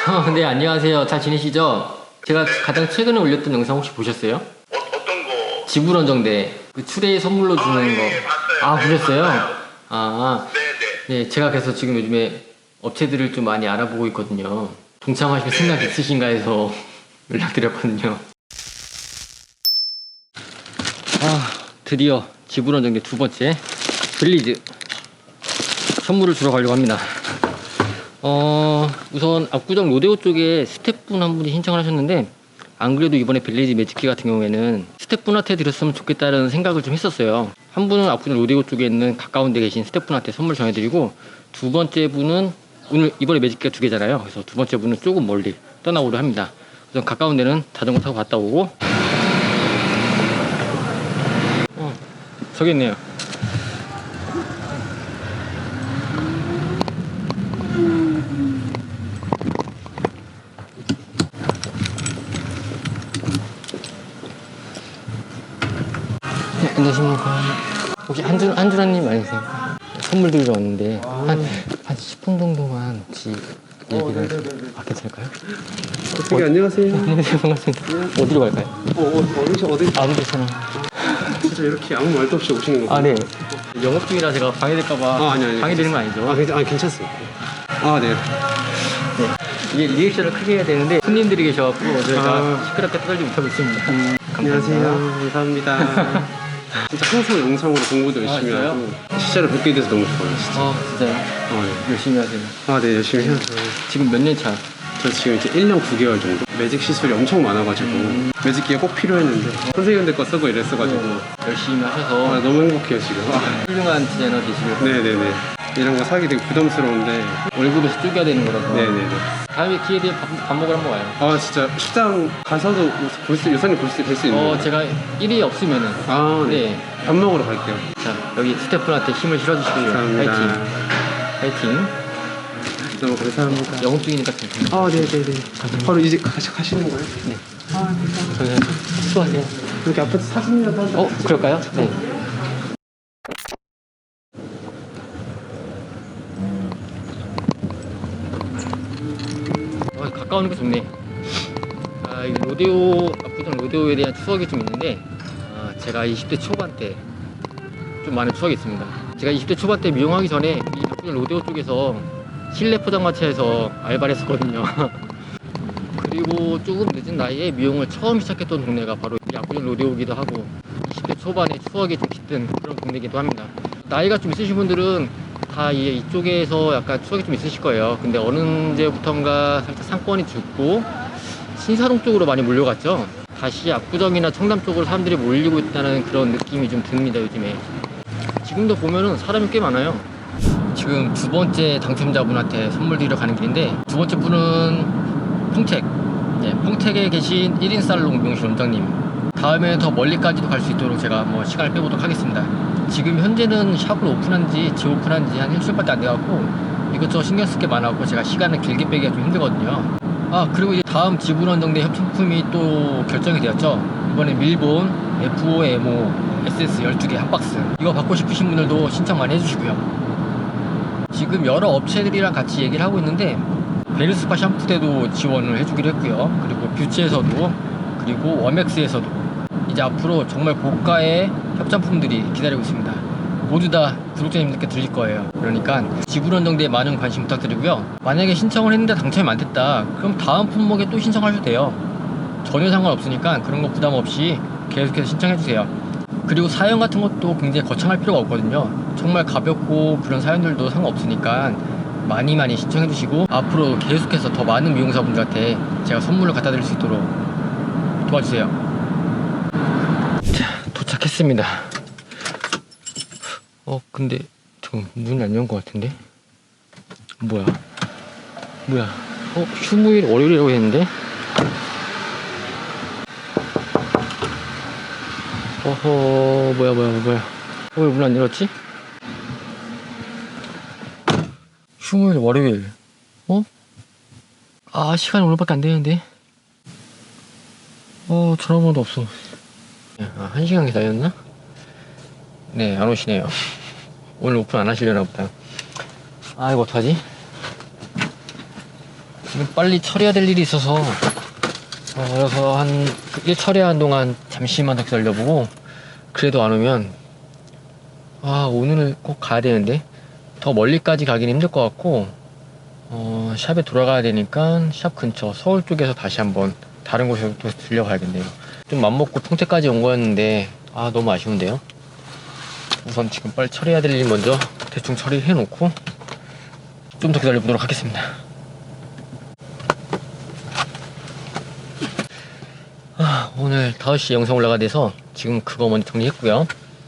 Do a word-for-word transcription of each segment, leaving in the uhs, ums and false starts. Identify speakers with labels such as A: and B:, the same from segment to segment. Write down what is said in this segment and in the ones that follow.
A: 어, 네, 안녕하세요. 잘 지내시죠? 제가 가장 최근에 올렸던 영상 혹시 보셨어요?
B: 어, 어떤 거?
A: 지불원정대 그 추레이 선물로 주는
B: 아, 예,
A: 거.
B: 예, 봤어요.
A: 아,
B: 네,
A: 보셨어요?
B: 봤어요.
A: 아,
B: 네네.
A: 네, 제가 그래서 지금 요즘에 업체들을 좀 많이 알아보고 있거든요. 동참하실 생각 있으신가 해서 연락드렸거든요. 아, 드디어 지불원정대 두 번째 빌리즈 선물을 주러 가려고 합니다. 어, 우선 압구정 로데오 쪽에 스태프분 한 분이 신청을 하셨는데, 안 그래도 이번에 빌리지 매직키 같은 경우에는 스태프분한테 드렸으면 좋겠다는 생각을 좀 했었어요. 한 분은 압구정 로데오 쪽에 있는 가까운 데 계신 스태프분한테 선물 전해드리고, 두 번째 분은 오늘 이번에 매직키가 두 개잖아요. 그래서 두 번째 분은 조금 멀리 떠나오려 합니다. 우선 가까운 데는 자전거 타고 갔다 오고, 어, 저기 있네요. 네, 안녕하십니까. 혹시 한준, 한준아님 아니세요? 선물 드리러 왔는데, 한, 한 십 분 정도만 혹시 얘기를. 아, 괜찮을까요?
C: 어떻게 안녕하세요.
A: 안녕하세요. 반갑습니다. 어디로 갈까요?
C: 어, 어, 어디, 어디,
A: 아무 데서나.
C: 진짜 이렇게 아무 말도 없이 오시는 거예요?
A: 아, 네. 영업 중이라 제가 방해될까봐.
C: 아, 아니, 아니.
A: 방해되는 건 아니죠?
C: 아, 괜찮, 아, 괜찮습니다. 아, 네.
A: 네. 이게 리액션을 크게 해야 되는데, 손님들이 계셔갖고, 저희가
C: 아.
A: 시끄럽게 떠들지 못하고 있습니다.
C: 음, 안녕하세요. 감사합니다. 진짜 항상 영상으로 공부도
A: 아,
C: 열심히
A: 진짜요?
C: 하고 실제로 뵙게 돼서 너무 좋아요, 진짜.
A: 아, 진짜요?
C: 아, 네.
A: 열심히 하세요.
C: 아, 네, 열심히 해야죠.
A: 지금 몇 년 차?
C: 저 지금 이제 일 년 구 개월 정도. 매직 시술이 엄청 많아가지고
A: 음.
C: 매직기가 꼭 필요했는데 선생님들 거 쓰고 이랬어가지고
A: 열심히
C: 아,
A: 하셔서
C: 너무 행복해요, 지금. 아,
A: 훌륭한 디자이너 되시길.
C: 네네네. 이런 거 사기 되게 부담스러운데.
A: 월급에서 쪼개야 되는 거라서.
C: 네네네.
A: 다음에 기회 되면 밥, 밥 먹으러 한번 와요.
C: 아, 진짜 식당 가서도 볼 수, 요산이 볼 수, 뵐 수 있는
A: 어,
C: 거예요?
A: 제가 일이 없으면은.
C: 아, 네.
A: 네.
C: 밥 먹으러 갈게요.
A: 자, 여기 스태프분한테 힘을 실어주시고요.
C: 감사합니다.
A: 파이팅. 파이팅.
C: 너무 감사합니다.
A: 영업 중이니까 괜찮아요.
C: 아, 네네네. 바로 이제 가시, 가시는 거예요?
A: 네.
C: 아, 감사합니다.
A: 저는 수고하세요.
C: 이렇게 앞에서 사진이라도 한 장.
A: 어, 그럴까요? 네. 어, 가까운 게 좋네. 아, 이 로데오, 압구정 로데오에 대한 추억이 좀 있는데, 아, 제가 이십 대 초반 때 좀 많은 추억이 있습니다. 제가 이십 대 초반 때 미용하기 전에 이 압구정 로데오 쪽에서 실내 포장마차에서 알바를 했었거든요. 그리고 조금 늦은 나이에 미용을 처음 시작했던 동네가 바로 이 압구정 로데오기도 하고, 이십 대 초반에 추억이 좀 깃든 그런 동네이기도 합니다. 나이가 좀 있으신 분들은 다 이, 이쪽에서 약간 추억이 좀 있으실 거예요. 근데 어느 언제부턴가 살짝 상권이 죽고 신사동 쪽으로 많이 몰려갔죠. 다시 압구정이나 청담 쪽으로 사람들이 몰리고 있다는 그런 느낌이 좀 듭니다, 요즘에. 지금도 보면은 사람이 꽤 많아요. 지금 두 번째 당첨자분한테 선물 드리러 가는 길인데, 두 번째 분은 평택, 네, 평택에 계신 일 인 살롱 미용실 원장님. 다음에 더 멀리까지도 갈 수 있도록 제가 뭐 시간을 빼보도록 하겠습니다. 지금 현재는 샵을 오픈한 지, 재오픈한 지 한 일주일밖에 안 돼갖고 이것저것 신경 쓸 게 많아갖고 제가 시간을 길게 빼기가 좀 힘들거든요. 아, 그리고 이제 다음 지불원정대 협찬품이 또 결정이 되었죠. 이번에 밀본 에프오엠오 에스에스 열두 개 한 박스, 이거 받고 싶으신 분들도 신청 많이 해주시고요. 지금 여러 업체들이랑 같이 얘기를 하고 있는데, 베르스파 샴푸대도 지원을 해주기로 했고요. 그리고 뷰츠에서도, 그리고 워맥스에서도 이제 앞으로 정말 고가의 협찬품들이 기다리고 있습니다. 모두 다 구독자님들께 드릴 거예요. 그러니까 지불원정대에 많은 관심 부탁드리고요. 만약에 신청을 했는데 당첨이 안 됐다, 그럼 다음 품목에 또 신청하셔도 돼요. 전혀 상관없으니까 그런 거 부담 없이 계속해서 신청해주세요. 그리고 사연 같은 것도 굉장히 거창할 필요가 없거든요. 정말 가볍고 그런 사연들도 상관없으니까 많이 많이 신청해 주시고, 앞으로 계속해서 더 많은 미용사분들한테 제가 선물을 갖다 드릴 수 있도록 도와주세요. 자, 도착했습니다. 어, 근데 저 문이 안 연 것 같은데? 뭐야? 뭐야? 어, 휴무일 월요일이라고 했는데? 어허, 뭐야 뭐야 뭐야. 어, 왜 문 안 열었지? 휴무일 월요일. 어? 아, 시간이 오늘밖에 안 되는데. 어, 전화번호도 없어. 아, 한 시간 기다렸나? 네, 안 오시네요. 오늘 오픈 안 하시려나 보다. 아, 이거 어떡하지? 지금 빨리 처리해야 될 일이 있어서 어, 그래서 한일 처리하는 동안 잠시만 더 기다려보고, 그래도 안 오면 아 오늘 꼭 가야 되는데 더 멀리까지 가긴 힘들 것 같고, 어, 샵에 돌아가야 되니까 샵 근처 서울 쪽에서 다시 한번 다른 곳에 또 들려가야겠네요. 좀 맘먹고 평택까지 온 거였는데 아 너무 아쉬운데요. 우선 지금 빨리 처리해야 될 일 먼저 대충 처리해 놓고 좀 더 기다려 보도록 하겠습니다. 아, 오늘 다섯 시에 영상 올라가 돼서 지금 그거 먼저 정리했고요.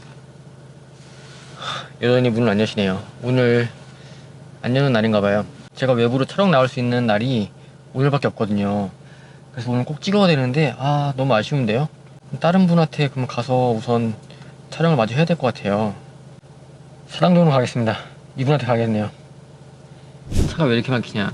A: 여전히 문을 안 여시네요. 오늘 안 여는 날인가 봐요. 제가 외부로 촬영 나올 수 있는 날이 오늘밖에 없거든요. 그래서 오늘 꼭 찍어야 되는데 아 너무 아쉬운데요. 다른 분한테 그럼 가서 우선 촬영을 마저 해야 될 것 같아요. 사랑동으로 가겠습니다. 이분한테 가겠네요. 차가 왜 이렇게 막히냐.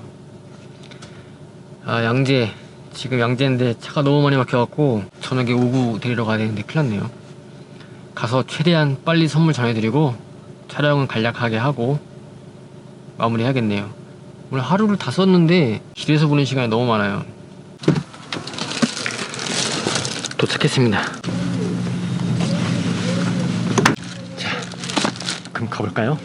A: 아 양재, 지금 양재인데 차가 너무 많이 막혀갖고 저녁에 오구 데리러 가야 되는데 큰일 났네요. 가서 최대한 빨리 선물 전해드리고 촬영은 간략하게 하고 마무리 해야겠네요. 오늘 하루를 다 썼는데 길에서 보낸 시간이 너무 많아요. 도착했습니다. 자, 그럼 가볼까요?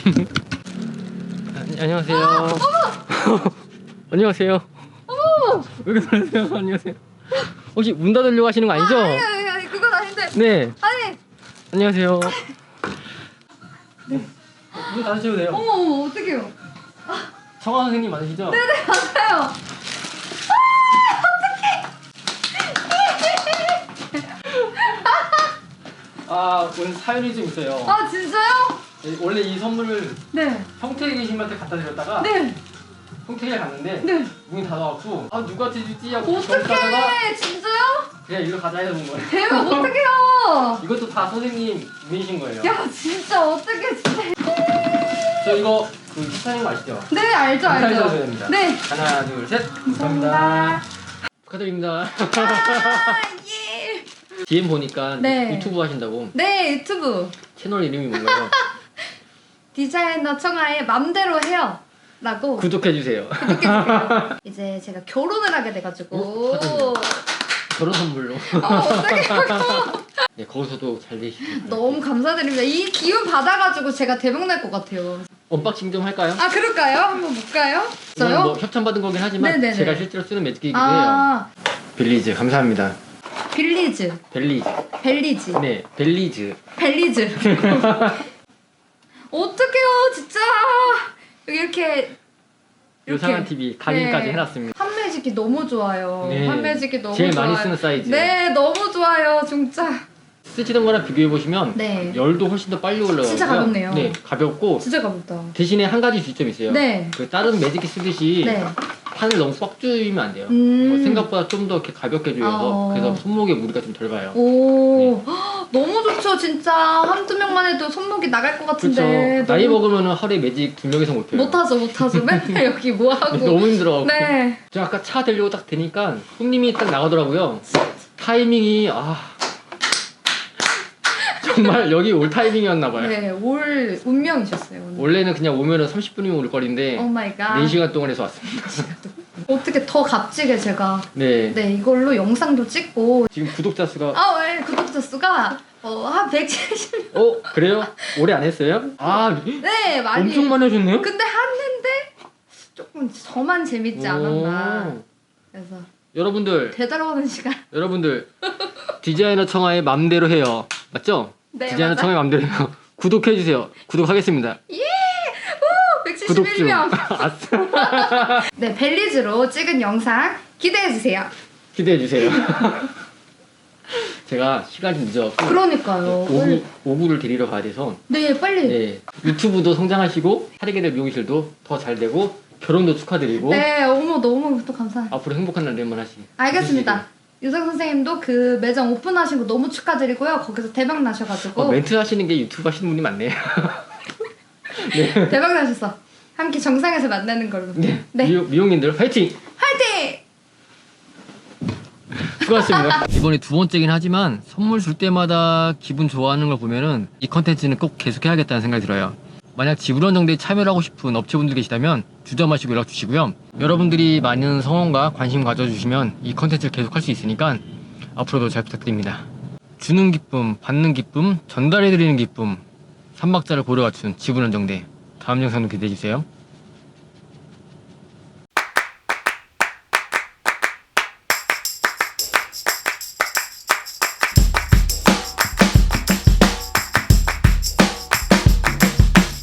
A: 아, 안녕하세요. 안녕하세요. 왜 그러세요? 안녕하세요. 혹시 문 닫으려고 하시는 거 아니죠?
B: 아, 아니, 아니, 아니, 그건 아닌데.
A: 네.
B: 아니.
A: 안녕하세요. 네. 문 닫으셔도 돼요.
B: 어머, 어머, 어떡해요.
A: 청아 선생님 맞으시죠?
B: 네네, 맞아요. 아,
A: 아, 오늘 사연이 좀 있어요.
B: 어떡해. 아, 진짜요?
A: 네, 원래 이 선물을
B: 네.
A: 평택에 계신 분한테 갖다 드렸다가
B: 네.
A: 평택에 갔는데
B: 네.
A: 문이 닫아갖고 아 누구한테 주지 하고 가다가
B: 어떡해. 진짜요?
A: 그냥 일로 가자 해서 온 거예요.
B: 대박, 어떡해요.
A: 이것도 다 선생님 문이신 거예요.
B: 야, 진짜 어떡해, 진짜.
A: 저 이거 그 희사님 아시죠?
B: 네, 알죠,
A: 인사해
B: 알죠.
A: 주셔야 됩니다.
B: 네.
A: 하나 둘 셋.
B: 감사합니다.
A: 축하드립니다.
B: 아, 예.
A: 디엠 보니까
B: 네.
A: 유튜브 하신다고.
B: 네, 유튜브.
A: 채널 이름이 뭔가요?
B: 디자이너 청아의 맘대로 해요. 라고.
A: 구독해주세요.
B: 구독해주세요. 이제 제가 결혼을 하게 돼가지고.
A: 어? 축하드립니다. 결혼 선물로.
B: 어, 어떡해요.
A: 네, 거기서도 잘 되시길.
B: 너무 감사드립니다. 이 기운 받아가지고 제가 대박 날 것 같아요.
A: 언박싱 좀 할까요?
B: 아, 그럴까요? 한번 볼까요?
A: 이건
B: 저요?
A: 뭐 협찬 받은 거긴 하지만
B: 네네네.
A: 제가 실제로 쓰는 매직기이기도
B: 아,
A: 해요. 빌리즈 감사합니다.
B: 빌리즈.
A: 벨리즈.
B: 벨리즈.
A: 네, 벨리즈.
B: 벨리즈. 어떡해요, 진짜. 여기 이렇게.
A: 요상한 티비 각인까지
B: 네.
A: 해놨습니다.
B: 판매지기 너무 좋아요.
A: 네.
B: 판매지기 너무
A: 제일
B: 좋아요.
A: 많이 쓰는 사이즈.
B: 네, 너무 좋아요, 진짜.
A: 쓰시던 거랑 비교해 보시면
B: 네.
A: 열도 훨씬 더 빨리 올라가고요.
B: 진짜 가볍네요.
A: 네, 가볍고
B: 진짜 가볍다.
A: 대신에 한 가지 주점이 있어요.
B: 네.
A: 그 다른 매직기 쓰듯이
B: 네.
A: 판을 너무 꽉 조이면 안 돼요.
B: 음.
A: 뭐 생각보다 좀 더 이렇게 가볍게 조여서
B: 어.
A: 그래서 손목에 무리가 좀 덜 가요.
B: 오, 헉, 너무 좋죠, 진짜. 한두 명만 해도 손목이 나갈 것
A: 그렇죠.
B: 같은데.
A: 나이
B: 너무...
A: 먹으면 하루에 매직 두 명이서 못 펴요.
B: 못하죠, 못하죠. 맨날 여기 뭐 하고.
A: 너무 힘들어갖고.
B: 네.
A: 저 아까 차 대려고 딱 되니까 손님이 딱 나가더라고요. 타이밍이 아 정말 여기 올 타이밍이었나 봐요.
B: 네, 올 운명이셨어요. 오늘.
A: 원래는 그냥 오면은 삼십 분이면 올 거리인데
B: 오 마이 갓.
A: 네 시간 동안 해서 왔습니다.
B: 어떻게 더 값지게 제가
A: 네.
B: 네, 이걸로 영상도 찍고.
A: 지금 구독자 수가
B: 아, 왜 구독자 수가 어, 한 백칠십.
A: 어 그래요? 오래 안 했어요? 아
B: 네, 많이.
A: 엄청 많이 하셨네요?
B: 근데 했는데 조금 저만 재밌지 않았나.
A: 오.
B: 그래서
A: 여러분들
B: 되돌아오는 시간.
A: 여러분들 디자이너 청아의 맘대로 해요. 맞죠?
B: 네,
A: 디자이너
B: 맞아요.
A: 청아의 맘대로 해요. 구독해주세요. 구독하겠습니다.
B: 예! 오!
A: 구독
B: 백칠십일
A: 좀.
B: 명.
A: 아싸.
B: 네, 벨리즈로 찍은 영상 기대해주세요.
A: 기대해주세요. 제가 시간이 늦어갖고
B: 그러니까요.
A: 오구, 오구를 데리러 가야 돼서
B: 네, 빨리.
A: 네, 유튜브도 성장하시고 하리게될 미용실도 더 잘 되고 결혼도 축하드리고
B: 네, 어머, 너무 또 감사해요.
A: 앞으로 행복한 날들만 하시.
B: 알겠습니다. 유성 선생님도 그 매장 오픈하신 거 너무 축하드리고요. 거기서 대박 나셔가지고.
A: 어, 멘트 하시는 게 유튜브 하시는 분이 많네요. 네.
B: 대박 나셨어. 함께 정상에서 만나는 걸로.
A: 네.
B: 네.
A: 미용, 미용인들 화이팅!
B: 화이팅!
A: 수고하셨습니다. 이번에 두 번째긴 하지만 선물 줄 때마다 기분 좋아하는 걸 보면은 이 컨텐츠는 꼭 계속해야겠다는 생각이 들어요. 만약 지불원정대에 참여를 하고 싶은 업체분들 계시다면 주저마시고 연락 주시고요. 여러분들이 많은 성원과 관심 가져주시면 이 컨텐츠를 계속 할 수 있으니까 앞으로도 잘 부탁드립니다. 주는 기쁨, 받는 기쁨, 전달해드리는 기쁨, 삼박자를 고려 갖춘 지불원정대. 다음 영상도 기대해주세요.